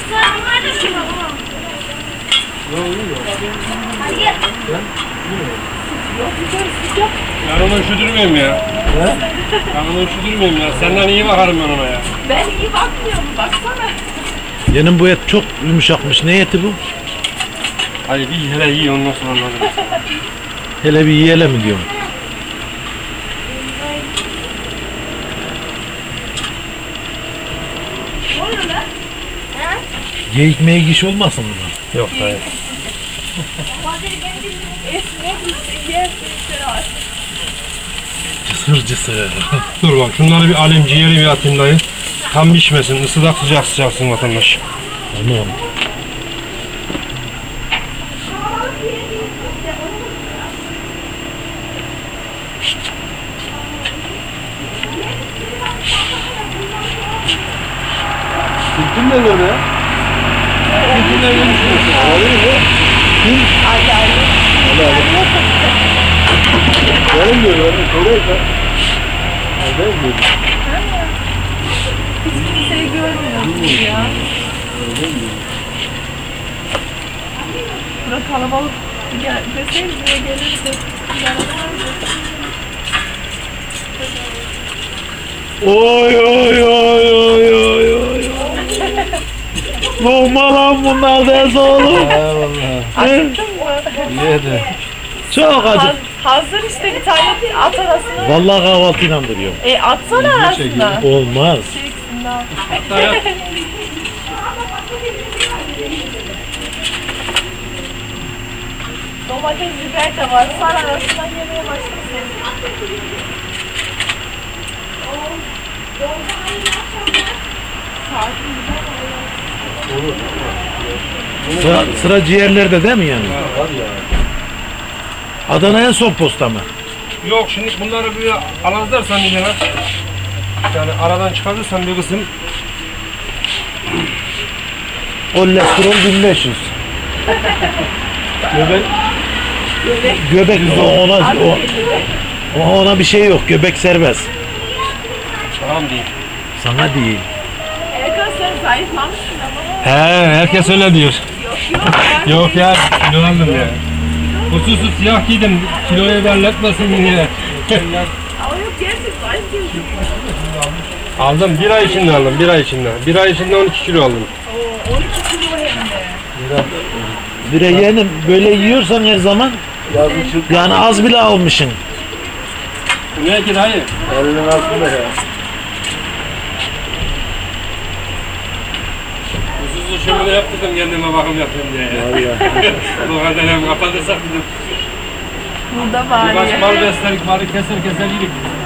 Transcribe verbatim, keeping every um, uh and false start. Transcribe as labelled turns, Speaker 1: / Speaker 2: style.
Speaker 1: Ben onu üşüdürmeyeyim ya. He? Ben onu üşüdürmeyeyim ya. Senden iyi bakarım ben ona ya.
Speaker 2: Ben iyi bakmıyorum, baksana.
Speaker 3: Yeğenim bu et çok yumuşakmış. Ne eti bu?
Speaker 1: Hadi bir hele iyi ondan sonra anladım.
Speaker 3: Hele bir yiyelim mi diyorum.
Speaker 2: Ne oluyor lan?
Speaker 3: Geyik meyik iş olmasın buna?
Speaker 1: Yok hayır.
Speaker 3: Cısır cısır.
Speaker 1: Dur bak şunları bir alayım ciğeri bir atayım dayı. Tam pişmesin, ısıdak sıcak sıcaksın vatandaş.
Speaker 3: Tamam.
Speaker 1: Türk'ün ne böyle ya? Türk'ün ne böyle düşünüyorsun? Ağlıyor mu? Kim?
Speaker 2: Ali Ali.
Speaker 1: Ali Ali. Benim diyor, benim soruyor da. Benim diyor.
Speaker 2: Hiç kimseyi görmüyorsun ya. Bura kalabalık. Gel, deseydi buraya gelirdi.
Speaker 3: Oy oy oy oy oy oy. Lokma lan bunlar ders oğlum.
Speaker 1: Eyvallah.
Speaker 2: Acıktın mı?
Speaker 1: Yedi.
Speaker 3: Çok acı.
Speaker 2: Haz- hazır işte bir tane at arasına.
Speaker 3: Vallahi kahvaltıyla duruyorum.
Speaker 2: E atsana arasına.
Speaker 3: Olmaz.
Speaker 2: Çeksin daha.
Speaker 1: Dayak.
Speaker 2: Domates, biber de var. Sar arasından yemeye başlasın.
Speaker 3: Sıra, sıra ciğerlerde değil mi yani? Adana en son posta mı?
Speaker 1: Yok şimdi bunları bir alazlarsan yine yani aradan çıkarırsan bir kısım
Speaker 3: Kolesterol bin beş yüz.
Speaker 1: göbek
Speaker 3: Göbek o- ona o, o- ona bir şey yok. Göbek serbest.
Speaker 1: tamam diyeyim.
Speaker 3: Sana değil.
Speaker 2: Erkan sen zayıflamışsın ama.
Speaker 1: He herkes öyle diyor.
Speaker 2: Yok yok.
Speaker 1: Yok ya kilo aldım ya. Hususu siyah giydim kiloyu belletmesin yine.
Speaker 2: Ama yok gerçek zayıf değilsin.
Speaker 1: Aldım bir ay içinde aldım bir ay içinde. Bir ay içinde on iki kilo aldım.
Speaker 2: Oo, on iki kilo hem de.
Speaker 3: Bir de yeğenim böyle yiyorsan her zaman yani az bile almışsın.
Speaker 1: Ne ki dayı? Elinin altında ya. Hususu şöyle yaptırdım kendime bakım yapayım diye ya. Bu kadar hem kapatırsak dedim.
Speaker 2: Burada var
Speaker 1: Birkaç
Speaker 2: ya.
Speaker 1: mal beslerik, malı keser keser yedik.